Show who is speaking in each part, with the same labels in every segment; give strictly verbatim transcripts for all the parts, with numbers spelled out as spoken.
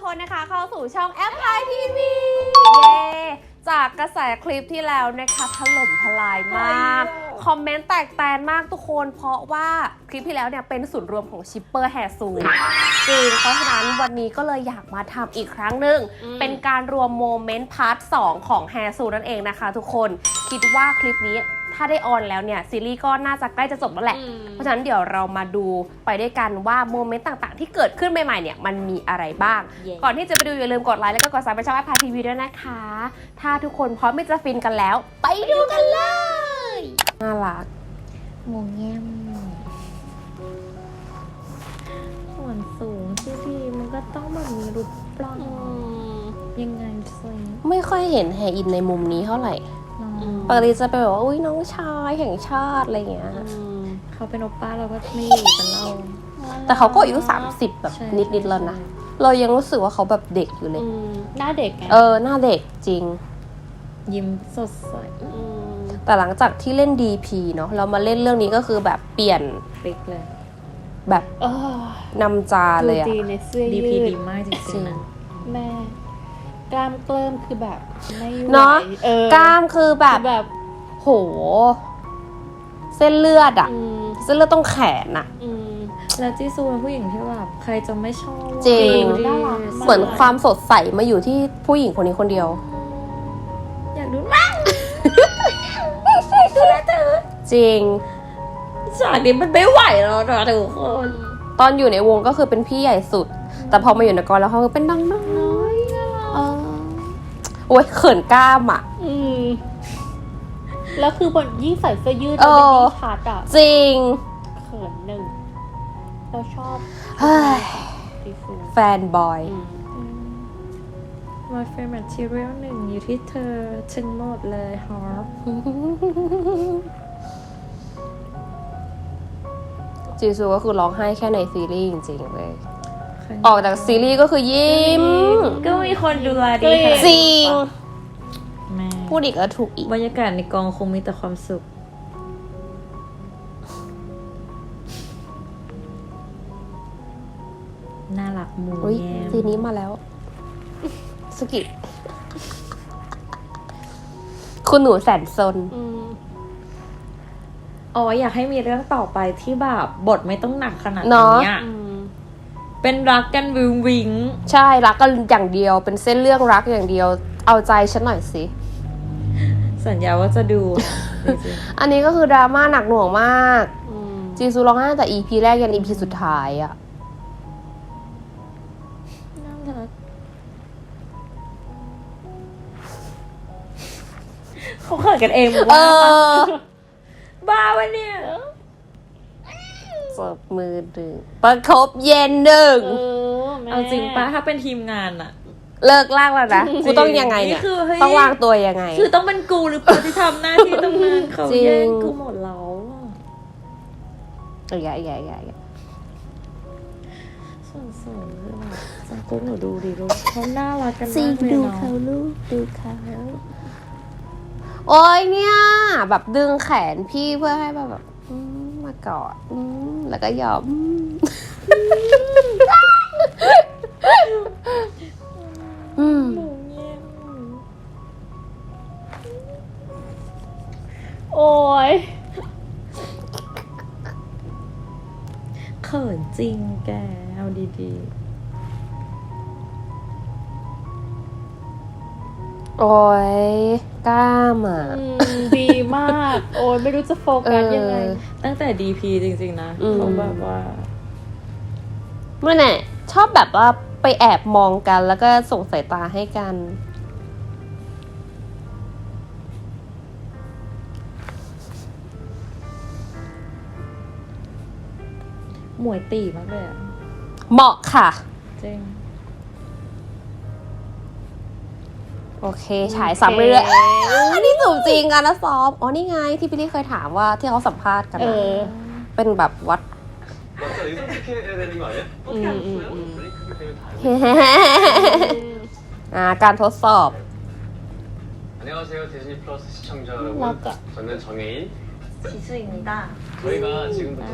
Speaker 1: คนนะคะเข้าสู่ช่องแอปพลายทีวีเย้จากกระแสคลิปที่แล้วนะคะถล่มทลายมากคอมเมนต์แตกแตนมากทุกคนเพราะว่าคลิปที่แล้วเนี่ยเป็นศูนย์รวมของชิปเปอร์แฮซูจริงเพราะฉะนั้นวันนี้ก็เลยอยากมาทำอีกครั้งหนึ่งเป็นการรวมโมเมนต์พาร์ทสองของแฮซูนั่นเองนะคะทุกคนคิดว่าคลิปนี้ถ้าได้ออนแล้วเนี่ยซีรีส์ก็น่าจะใกล้จะจบแล้วแหละเพราะฉะนั้นเดี๋ยวเรามาดูไปด้วยกันว่าโมเมนต์ต่างๆที่เกิดขึ้นใหม่ๆเนี่ยมันมีอะไรบ้าง yeah. ก่อนที่จะไปดูอย่าลืมกดไลค์แล้วก็กดซับสไครบ์ช่องแอปพลายทีวีด้วยนะคะถ้าทุกคนพร้อมที่จะฟินกันแล้วไปดูกันเลยน่ารักหมูแง้มส่วนสูงที่ดีมันก็ต้องแบบมีรูปปล้องยังไงสิไม่ค่อยเห็นแฮอินในมุมนี้เท่าไหร่ปกติจะเป็นแบบว่าอุ้ยน้องชายแห่งชาติอะไรเงี้ยเขาเป็นโอป้าเราก็ไม่อยู่กันเราแต่เขาก็อายุสามสิบแบบนิดๆแล้วนะเรายังรู้สึกว่าเขาแบบเด็กอยู่เลย
Speaker 2: หน้าเด็กไง
Speaker 1: เออหน้าเด็กจริง
Speaker 2: ยิ้มสดใส
Speaker 1: แต่หลังจากที่เล่น ดี พี เนาะเรามาเล่นเรื่องนี้ก็คือแบบเปลี่ยน
Speaker 2: พลิกเลย
Speaker 1: แบบนำจาเลยอะ
Speaker 2: ดี พี ดีมากจริงๆแม่กล้ามเกลิ้มคือแบบไม่ไหว
Speaker 1: เนาะกล้ามคือแบบแบบโหเส้นเลือดอะเส้นเลือดต้องแขนอะ
Speaker 2: แล้วจีซูเป็นผู้หญิงที่แบบใครจะไม่ชอบ
Speaker 1: จริงเหมือนความสดใสมาอยู่ที่ผู้หญิงคนนี้คนเดียว
Speaker 2: อยากดูมั่งดูแลเธอ
Speaker 1: จริง
Speaker 2: ฉากนี้มันไม่ไหวแล้วนะทุกคน
Speaker 1: ตอนอยู่ในวงก็คือเป็นพี่ใหญ่สุดแต่พอมาอยู่ในกองแล้วเขาคือเป็นน้องน้อยโอ้ยเขินกล้ามอ่ะ
Speaker 2: อืมแล้วคือบนยิ่งใส่เสื้อยืดแล้วมันยิ่งชัดอ่ะ
Speaker 1: จริง
Speaker 2: เขินหนึ่งเราชอบ
Speaker 1: แฟนบอย
Speaker 2: My favorite material หนึ่งอยู่ที่เธอทั้งหมดเลยฮอป
Speaker 1: จีซูก็คือร้องไห้แค่ในซีรีส์จริงๆเลยออกจากซีรีส์ก็คือยิ้ม
Speaker 2: ก็มีคนดูแลดี
Speaker 1: จริงพูดอีกแล้วถูกอีก
Speaker 2: บรรยากาศในกองคงมีแต่ความสุขน่ารักมูแย้ม
Speaker 1: ซีนี้มาแล้วสกิคุณหนูแสนซน
Speaker 2: อ๋ออยากให้มีเรื่องต่อไปที่แบบบทไม่ต้องหนักขนาดนี้เป็นรักกันวิงวิง
Speaker 1: ใช่รักกันอย่างเดียวเป็นเส้นเรื่องรักอย่างเดียวเอาใจฉันหน่อยสิ
Speaker 2: สัญญาว่าจะดู
Speaker 1: อันนี้ก็คือดราม่าหนักหน่วงมากจีซูร้องไห้ตั้งแต่ อี พี แรกยัน อี พี สุดท้ายอะ
Speaker 2: น่ารักเขาเขินกันเองว่าบ้าวะเนี่ย
Speaker 1: เสิร์ฟมือดึงประคบเย็นหนึ่ง
Speaker 2: เอาจริงป้าถ้าเป็นทีมงานอะ
Speaker 1: เลิกลากแล้วนะกูต้องยังไงเนี่ยต้องวางตัวยังไง
Speaker 2: คือต้องเป็นกูหรือเปล่าที่ทำหน้าที่ตรงนั้นเขาแย่งกูหมดแล้ว
Speaker 1: เออแย่แย่แย่
Speaker 2: ส่วนส่วนคือแบบจังกูหนูดูดิลูกเขาน่ารักกันมากเลยเนาะ
Speaker 1: ดูเขาลูกดูเขาโอ้ยเนี่ยแบบดึงแขนพี่เพื่อให้แบบมากอดแล้วก็ยอมอืม
Speaker 2: โอ้ยเขินจริงแกเอาดี
Speaker 1: ๆโอ้ยกล้ามอ่ะ
Speaker 2: ดีมากโอ้ยไม่รู้จะโฟกัสยังไงตั้งแต่ ดี พี จริงๆนะเขาแบบว่า
Speaker 1: ไม่แน่ชอบแบบว่าไปแอบมองกันแล้วก็ส่งสายตาให้กัน
Speaker 2: หมวยตีมากเลยอ่ะ
Speaker 1: เหมาะค่ะ
Speaker 2: จริง
Speaker 1: โอเคฉายซ้ำเรื่อยๆอันนี้สูงจริงกันนะซอฟอ๋อนี่ไงที่พี่ลี่เคยถามว่าที่เขาสัมภาษณ์กันเป็นแบบวัดอ่าการทดสอบ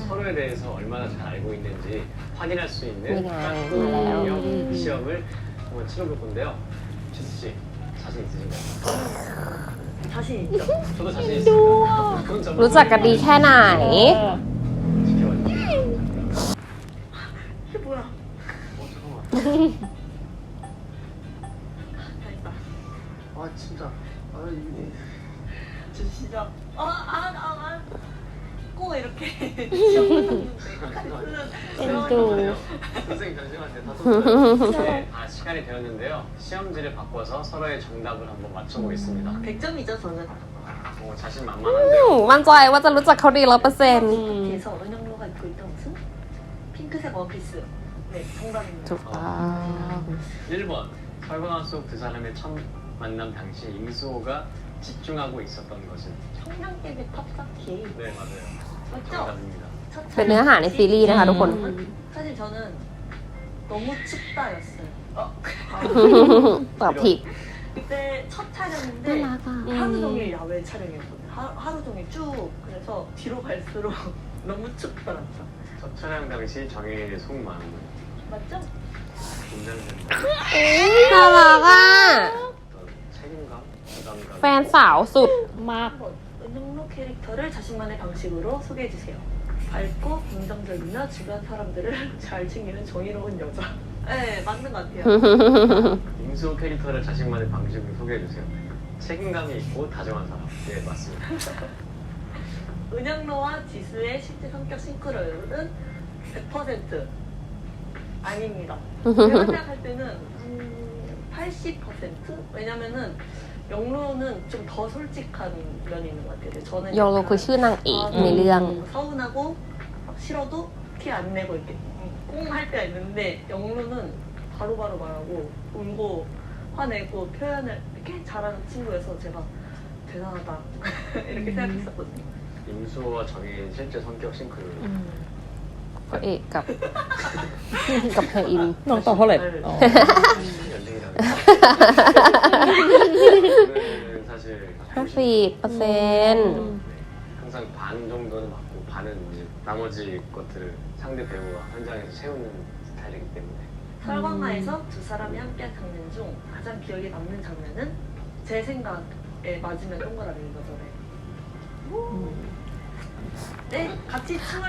Speaker 3: 지수입니다저희가지금부터서로에대해서얼마나잘알고있는지확인할수있는학교시험을 한번 치러볼 건데요. 지수 씨 자신 있으신가요?
Speaker 4: 자신 있죠?
Speaker 3: 저도 자신 있습니다. 그건 좀
Speaker 1: รู้จักกันดีแค่ไหน
Speaker 3: 지켜봐 주세요.
Speaker 4: 이게 뭐야?
Speaker 3: 어 잠깐만.
Speaker 4: 다 했다.
Speaker 3: 아 진짜. 아 이게.
Speaker 4: 저 시작. 아, 아, 아, 아. 꼭 이렇게 시험을
Speaker 1: 또.
Speaker 3: 선생님 잠시만요. 다 썼어요. 네, 아 시간이 되었는데요. 시험지를 바꿔서 서로의 정답을 한번 맞춰보겠습니다.
Speaker 4: 백 점이죠, 저는.
Speaker 3: 어, 자신
Speaker 1: อื
Speaker 3: 만만한데요.
Speaker 1: มมั่นใจว่าจะรู้จักเขาดีร้อยเปอร์เซ็นต์
Speaker 4: 뒤에서 은영로가 입고 있던 옷은 핑크색 원피스. 네, 정답입니다.
Speaker 1: ถูกต้อง
Speaker 3: 일 번 설광화 속 두 사람의 첫 만남 당시 임수호가 집중하고 있었던 것은
Speaker 4: 청량깨비 탑쌓기.
Speaker 3: 네 맞아요.
Speaker 4: 맞죠?
Speaker 3: 정답입니다.
Speaker 4: 첫
Speaker 1: เป็นเนื้อหาในซีรีส์นะคะทุกคน
Speaker 4: 사실 저는 너무 춥다였어요. 어.
Speaker 1: ตอบผิด
Speaker 4: 그때 첫
Speaker 1: น่า
Speaker 4: 촬영인데
Speaker 1: รักอ่ะ
Speaker 4: 하루 종일 야외 촬영이었거든요. 하, 하루 종일 쭉. 그래서 뒤로 갈수록 너무 춥더라고요.
Speaker 3: 첫 촬영 당시 정혜인의 속마음
Speaker 4: 맞죠?
Speaker 3: 긴장된다.
Speaker 1: น่ารักอ่ะ
Speaker 3: 어떤 책임감, 부담감.
Speaker 1: แฟนสาวสุด
Speaker 2: มาก
Speaker 4: 한번 은영로 캐릭터를 자신만의 방식으로 소개해주세요. 밝고 긍정적이며 주변 사람들을 잘 챙기는 정의로운 여자. 네, 맞는 것 같아요.
Speaker 3: 임수호 캐릭터를 자신만의 방식으로 소개해주세요. 책임감이 있고 다정한 사람. 네 맞습니다.
Speaker 4: 은영로와 지수의 실제 성격 싱크로율은 백 퍼센트 아닙니다. 제가 생각할 때는 음, 팔십 퍼센트? 왜냐면은 영로는 좀 더 솔직한 면이 있는 것 같아요. 저는
Speaker 1: โยโรคือชื่อนางเอกในเรื่อง
Speaker 4: 서운하고 막 싫어도 티 안 내고 이렇게 꽁 할 때가 있는데 영로는 바로바로 말하고 울고 화내고 표현을 이렇게 잘하는 친구여서 제가 대단하다 이렇게 생각했었거든요.
Speaker 3: 임수호와 정혜인 실제 성격 싱크로율.
Speaker 1: พระเอกกับ กับเฮอิน
Speaker 2: น้องตอบเท่าไหร่อ๋อ
Speaker 3: 연등이라고. 저는 사실
Speaker 1: ห้าสิบเปอร์เซ็นต์
Speaker 3: 항상 반 정도는 맞고 반은 이제 나머지 것들을 상대 배우와 현장에서 채우는 스타일이기 때문에
Speaker 4: 설광화에서 두 사람이 함께한 장면 중 가장 기억에 남는 장면은 제 생각에 맞으면 동그라미인 거죠. 네, 같이 춤을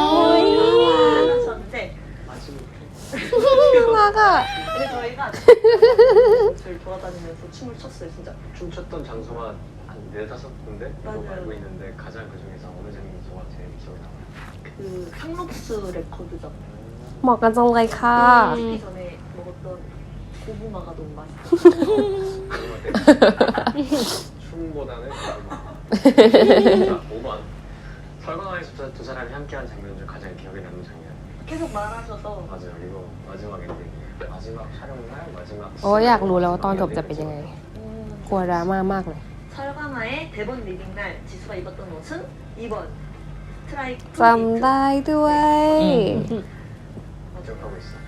Speaker 4: 추셨는데
Speaker 3: 마지막에
Speaker 1: น่ารักอ่ะ
Speaker 4: 근데 저희가 저를 돌아다니면서 춤을 췄어요, 진짜.
Speaker 3: 춤췄던 장소가 한 네다섯 군데 정도
Speaker 4: 맞아요.
Speaker 3: 알고 있는데 가장 그 중에서 어느 장소가 제일 기억에 남아요?
Speaker 4: 그 상록스 레코드점.
Speaker 1: เหมาะกันจังเลยค่ะ
Speaker 4: 찍기 전에 먹었던 고구마가 너무 맛있어요.
Speaker 3: 춤보다는 자, 오 번 설광화에서 두 사람이 함께한 장면 중 가장 기억에 남는 장면.
Speaker 4: 계속 말하셔서
Speaker 3: 맞아요. 이거 마지막 엔딩이에요. 마지막 촬영날 마지막.
Speaker 1: โอ้ยอยากรู้แล้วว่าตอนจบจะเป็นยังไง
Speaker 4: 음,
Speaker 1: กลัวดราม่ามากเลย
Speaker 4: 설광화의 대본 리딩 날 지수가 입었던 옷은 이 번 스트라이프
Speaker 1: จำได้ด้วย
Speaker 3: 기억하고 있어.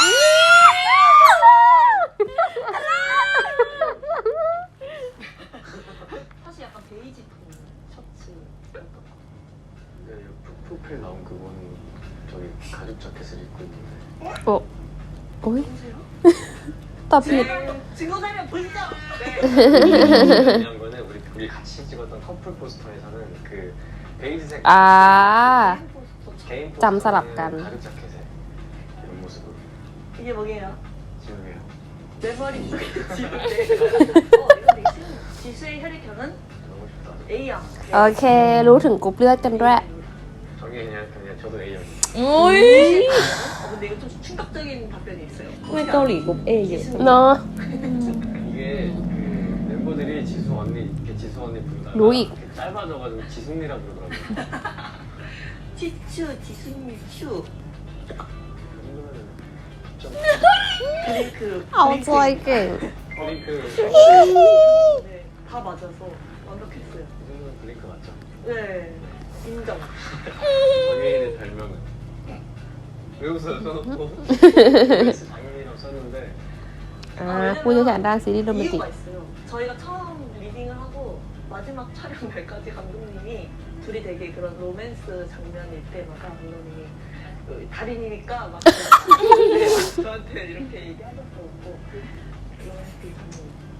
Speaker 4: 사실 약간 베이지 톤 셔츠였던 것 같아요.
Speaker 3: 네, 프로필 나온 그거는 저기 가죽 자켓을 입고 있는데.
Speaker 1: โอ้โอ้ย
Speaker 4: 보세요.
Speaker 1: ตอบผิด
Speaker 4: 네, 증거 자료 보시죠. 네.
Speaker 3: 중요한 거는 우리 우리 같이 찍었던 커플 포스터에서는 그 베이지색
Speaker 1: อ่า
Speaker 3: 개인
Speaker 1: 짬
Speaker 3: 포스터는
Speaker 1: 서랍간.
Speaker 3: 가죽 자켓에 이런 모습으로
Speaker 4: 이게 뭐게요?
Speaker 3: 지우개요.
Speaker 4: 내 머리 속에 지우개. 어, 이거 되게 쉬운. 지수의 혈액형은
Speaker 3: 너무 좋다.
Speaker 4: A형.
Speaker 1: โอเค รู้ถึงกรุ๊ปเลือดกันด้วย
Speaker 3: 정혜인이 그냥 저도 A형.
Speaker 2: อุ้ย
Speaker 4: 어, 근데 이거 좀 충격적인 답변이 있어요.
Speaker 2: ไม่เกาหลีกรุ๊ปเอเยอะ
Speaker 1: เนาะ
Speaker 3: 이게 그 멤버들이 지수 언니 이렇게 지수 언니 부르다가
Speaker 1: 로익.
Speaker 3: 이렇게 짧아져가지고 지순이라 부르더라고요.
Speaker 4: 치추, 지수님, 슈.
Speaker 3: 그 정도면은 좀
Speaker 4: 블링크.
Speaker 1: เอาใจเก่ง
Speaker 3: 블링크
Speaker 4: 네, 다 맞아서 완벽했어요.
Speaker 3: 이 정도면 블링크 맞죠?
Speaker 4: 네, 인정.
Speaker 3: 정혜인의 별명은 왜 웃어요? 써놓고 베이스 장인이라고 썼는데
Speaker 1: อ่าผู้เชี่ยวชาญด้านซีรีส์โรแมนติก
Speaker 4: 이유가 있어요. 저희가 처음 리딩을 하고 마지막 촬영 날까지 감독님이 둘이 되게 그런 로맨스 장면일 때마다 감독님이 어, 달인이니까 막 네, 저한테 이렇게 얘기하는 거 없고 로맨틱 선물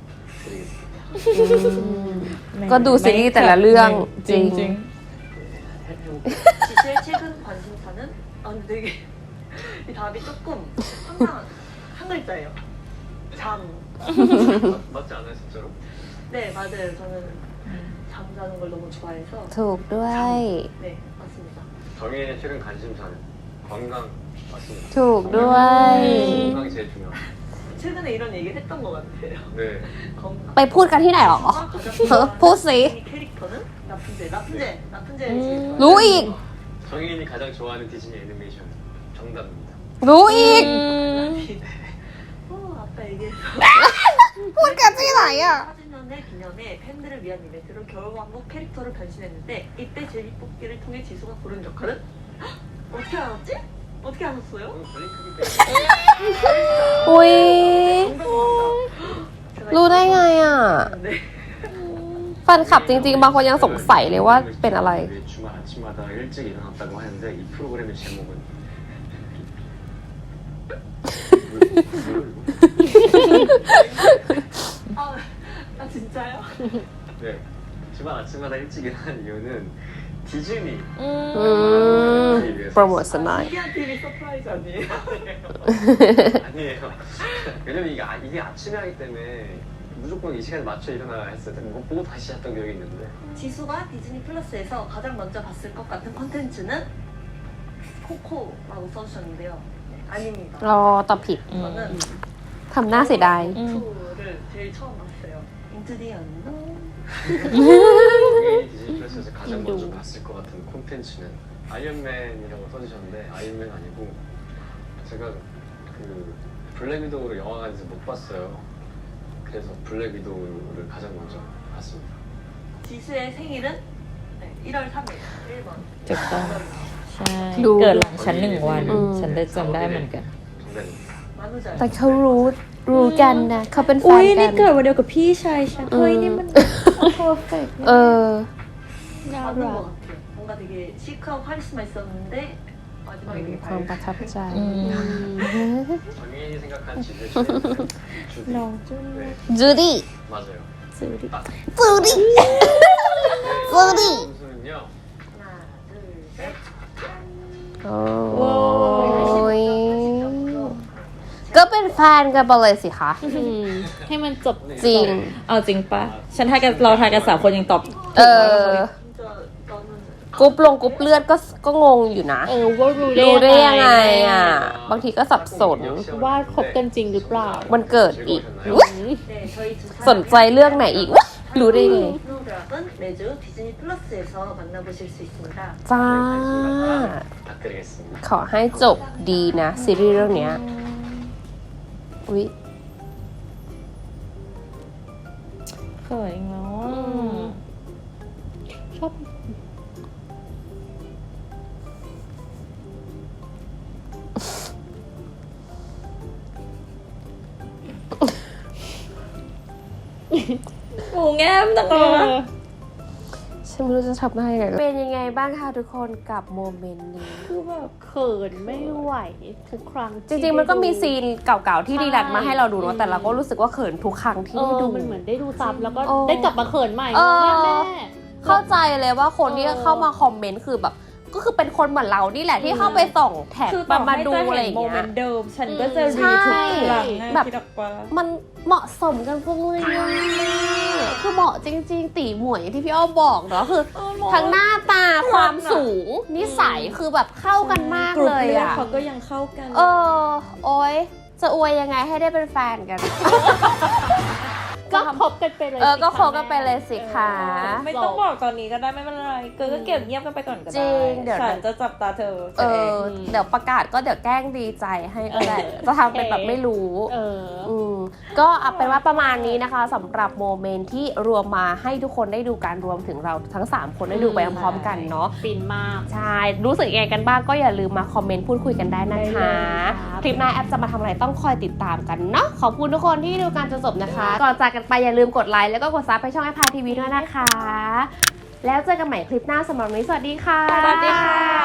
Speaker 3: 드리겠습니다.
Speaker 1: ก็ดูซีรีส์แต่ละเรื่องจริง
Speaker 2: จริง
Speaker 3: 해볼게요.
Speaker 4: 지수의 최근 관심사는 아 근데 되게 이 답이 조금 항상 한 글자예요. 잠.
Speaker 3: 맞- 맞지 않아요 진짜로?
Speaker 4: 네 맞아요. 저는 잠자는 걸 너무 좋아해서
Speaker 1: ถูกด้วย
Speaker 4: 네 맞습니다.
Speaker 3: 정혜인의 최근 관심사는 건강 맞습니다.
Speaker 1: ถูกด้วย
Speaker 3: 건강이 제일 중요합니다.
Speaker 4: 최근에 이런 얘기를 했던 것 같아요.
Speaker 3: 네.
Speaker 4: 건강.
Speaker 1: ไปพูดกันที่ไหนหรอ พูดสิ
Speaker 4: 이 캐릭터는 라푼젤. 라푼젤. 라푼젤
Speaker 2: 음.
Speaker 4: 제일 좋아해요.
Speaker 1: รู้อีก
Speaker 3: 정혜인이 가장 좋아하는 디즈니 애니메이션 정답입니다.
Speaker 1: รู้อีก
Speaker 4: 어 아까 얘기했어.
Speaker 1: พูดกันที่ไหนอ่ะ
Speaker 4: 사주년의 기념에 팬들을 위한 이벤트로 겨울왕국 캐릭터를 변신했는데 이때 제비뽑기를 통해 지수가 고른 역할은? 헉, 어떻게 알았지? 어떻게 아셨어요?
Speaker 3: 오늘 블링크기
Speaker 1: อุ้ย
Speaker 4: 제가
Speaker 1: รู้ได้ไงอ่ะ
Speaker 4: 네.
Speaker 1: แฟนคลับจริงๆ บางคนยังสงสัยเลยว่าเป็นอะไร
Speaker 3: 주말 아침마다 일찍 일어났다고 하는데 이 프로그램의 제목은
Speaker 4: 아, 아 진짜요?
Speaker 3: 네. 주말 아침마다 일찍 일어나는 이유는 디즈니
Speaker 2: อืม
Speaker 1: อืม โปรโมทสนาย
Speaker 4: 아, 신기한 티비 서프라이즈 아니에요?
Speaker 3: 아니에요. 왜냐면 이게, 아- 이게 아침에 하기 때문에 무조건 이 시간에 맞춰 일어나야 했어요. 뭐 보고 다시 잤던 기억이 있는데
Speaker 4: 지수가 디즈니 플러스에서 가장 먼저 봤을 것 같은 컨텐츠는 코코라고 써주셨는데요. 네, 아닙니다.
Speaker 1: รอตอบผิด
Speaker 4: 저는
Speaker 1: ทำหน้าเสียดาย
Speaker 4: 투를 제일 처음 봤어요. 인트디 안녕.
Speaker 3: 당연히 디즈니 플러스에서 가장 먼저 봤을 것 같은 콘텐츠는 아이언맨이라고 써주셨는데 아이언맨 아니고 제가 그 블랙 위도우를 영화관에서 못 봤어요. 그래서 블랙 위도우를 가장 먼저 봤습니다.
Speaker 4: 지수의 생일은 네, 일월 삼일 일 번.
Speaker 2: ถูกต้องใช่
Speaker 1: ดู
Speaker 2: เกิดหลังฉันหนึ่งวัน
Speaker 1: อืม
Speaker 2: ฉันได้จำได้เหมือนกัน
Speaker 3: 정답입니다.
Speaker 4: 만우절.
Speaker 1: แต่เขารู้รู้กันนะเขาเป็นแฟ
Speaker 2: อุ้
Speaker 1: น
Speaker 2: ย
Speaker 1: กั
Speaker 2: นี่
Speaker 1: น
Speaker 2: เกิดวันเดียวกับพี่ชายฉันเฮ้ยนี่มันเพอร์เฟกต์
Speaker 1: เออ
Speaker 2: น่า
Speaker 4: 맞는
Speaker 2: รั
Speaker 4: 것
Speaker 2: ก
Speaker 4: 같아요. 뭔가 되게 시크하고 카리스마 있었는데 마지막에 되게
Speaker 1: ความประ
Speaker 4: 밝.
Speaker 1: ทับใจ
Speaker 2: อืม
Speaker 3: 정인이 생각한 지수의 최애는 주디.
Speaker 2: น้องจุ้น
Speaker 3: 네,
Speaker 1: จูดี้
Speaker 3: 맞아요.
Speaker 2: ซื้อดิ
Speaker 3: 딱.
Speaker 1: จูดี้
Speaker 3: 네,
Speaker 1: 주디.
Speaker 3: 선수는요.
Speaker 4: 하나, 둘, 셋.
Speaker 1: โอ้ยก็เป็นแฟนกันไปเลยสิคะ
Speaker 2: อืมให้มันจบ
Speaker 1: จริง
Speaker 2: เอาจริงปะฉันทายกันเราทายกันสามคนยังตอบ
Speaker 1: เออ
Speaker 4: 진짜 나는
Speaker 1: กรุ๊ปลงกรุ๊ปเลือดก็ก็งงอยู่นะ
Speaker 5: เออว่ารู้
Speaker 1: รู้ได้ยังไง
Speaker 5: อะ
Speaker 1: อ่ะ บางทีก็สับสน
Speaker 5: ว่าคบกันจริงหรือเปล่า
Speaker 1: มันเกิดอีก
Speaker 3: 즐거우셨나요?
Speaker 4: 네, 저희 두
Speaker 1: สนใจเรื่องไหนอีกวะรู้ได้ไง
Speaker 4: 스노우드락은 매주 디즈니 플러스에서 만나보실 수 있습니다.
Speaker 1: จ้า
Speaker 3: 부탁드리겠습니다.
Speaker 1: ขอให้จบดีนะ ซีรีส์เรื่องเนี้ยอุ๊ย
Speaker 2: เขินอีกแล้วอ่ะ
Speaker 5: ชอบ
Speaker 2: หมูแง้มตะกอ
Speaker 5: เออ
Speaker 1: ฉันไม่รู้จะทำได้ยังไงเป็นยังไงบ้างคะทุกคนกับโมเมนต์นี้
Speaker 5: คือแบบเขินไม่ไหวทุกครั้ง
Speaker 1: จริงๆ มันก็มีซีนเก่าๆ ที่ดีดักมาให้เราดูเนาะแต่เราก็รู้สึกว่าเขินทุกครั้งที่
Speaker 5: เอ
Speaker 1: ได้
Speaker 5: อ
Speaker 1: ดู
Speaker 5: มันเหมือนได้ดูซ้ำแล้วก็
Speaker 1: โอ้
Speaker 5: ได้กลับมาเขินใหม่
Speaker 1: เออ
Speaker 5: แม่แม่
Speaker 1: เข้าใจเลยว่าคนที่
Speaker 5: เออ
Speaker 1: เข้ามาคอมเมนต์คือแบบ ก็คือเป็นคนเหมือนเรานี่แหละที่เข้าไปส่องแท็ก
Speaker 2: คือ
Speaker 1: มา
Speaker 2: ต่อ
Speaker 1: มา
Speaker 2: ให้
Speaker 1: ดู
Speaker 2: จะ
Speaker 1: อะไร
Speaker 2: เห็
Speaker 1: อน ย่าง
Speaker 2: โม
Speaker 1: เงี้
Speaker 2: เม
Speaker 1: ย
Speaker 2: นต์เดิม ฉันก็จะ
Speaker 1: ใช่
Speaker 2: รีทุกครั้งอะ
Speaker 1: แบบ
Speaker 2: คิดออกปะ
Speaker 1: มันเหมาะสมกันจังเลยอะคือเหมาะจริง ๆ ตีหมวยอย่างที่พี่อ้อมบอกเนาะคือ
Speaker 2: เออเหมาะ
Speaker 1: ทั้งหน้าตาความสูงนิสัยคือแบบเข้ากันมาก
Speaker 2: กรุ๊
Speaker 1: เล
Speaker 2: ป
Speaker 1: ย
Speaker 2: เลือด
Speaker 1: อะ
Speaker 2: เขาก็ยังเข้ากัน
Speaker 1: เออ โอ๊ย จะอวยยังไงให้ได้เป็นแฟนกัน
Speaker 5: ก็คบกันไปเลย
Speaker 1: เออ
Speaker 5: สิ
Speaker 1: ก็
Speaker 5: คะ
Speaker 1: คบกันไปเลยสิคะ
Speaker 2: ไม่ต้องบอกตอนนี้ก็ได้ไม่เป็นไรเกิดก็เก็บเงียบกันไปก่อนก็
Speaker 1: จริ
Speaker 2: ได้
Speaker 1: งเดี๋ยว
Speaker 2: ฉันจะจับตาเธอ
Speaker 1: เอ
Speaker 2: เอง
Speaker 1: อ เดี๋ยวประกาศก็เดี๋ยวแกล้งดีใจให้ก็ได้
Speaker 5: เออ
Speaker 1: จะทำเป็นแบบไม่รู้
Speaker 5: เออ
Speaker 1: อืมก็เอาเป็นว่าประมาณนี้นะคะสำหรับโมเมนต์ที่รวมมาให้ทุกคนได้ดูการรวมถึงเราทั้งสามคนได้ดูไปพร้อมๆกันเนาะ
Speaker 5: ฟินมาก
Speaker 1: ใช่ รู้สึกยังไงกันบ้างก็อย่าลืมมาคอมเมนต์พูดคุยกันได้นะคะ
Speaker 5: ได้เลยครับ
Speaker 1: คลิปหน้าแอปจะมาทำอะไรต้องคอยติดตามกันเนาะ ขอบคุณทุกคนที่ดูการจนจบนะคะ ก่อนจากกันไปอย่าลืมกดไลค์แล้วก็กดซับไปช่องไอพาทีวีด้วยนะคะ แล้วเจอกันใหม่คลิปหน้าสำหรับวันนี้สวัสดีค่ะ
Speaker 2: สวัสดีค่ะ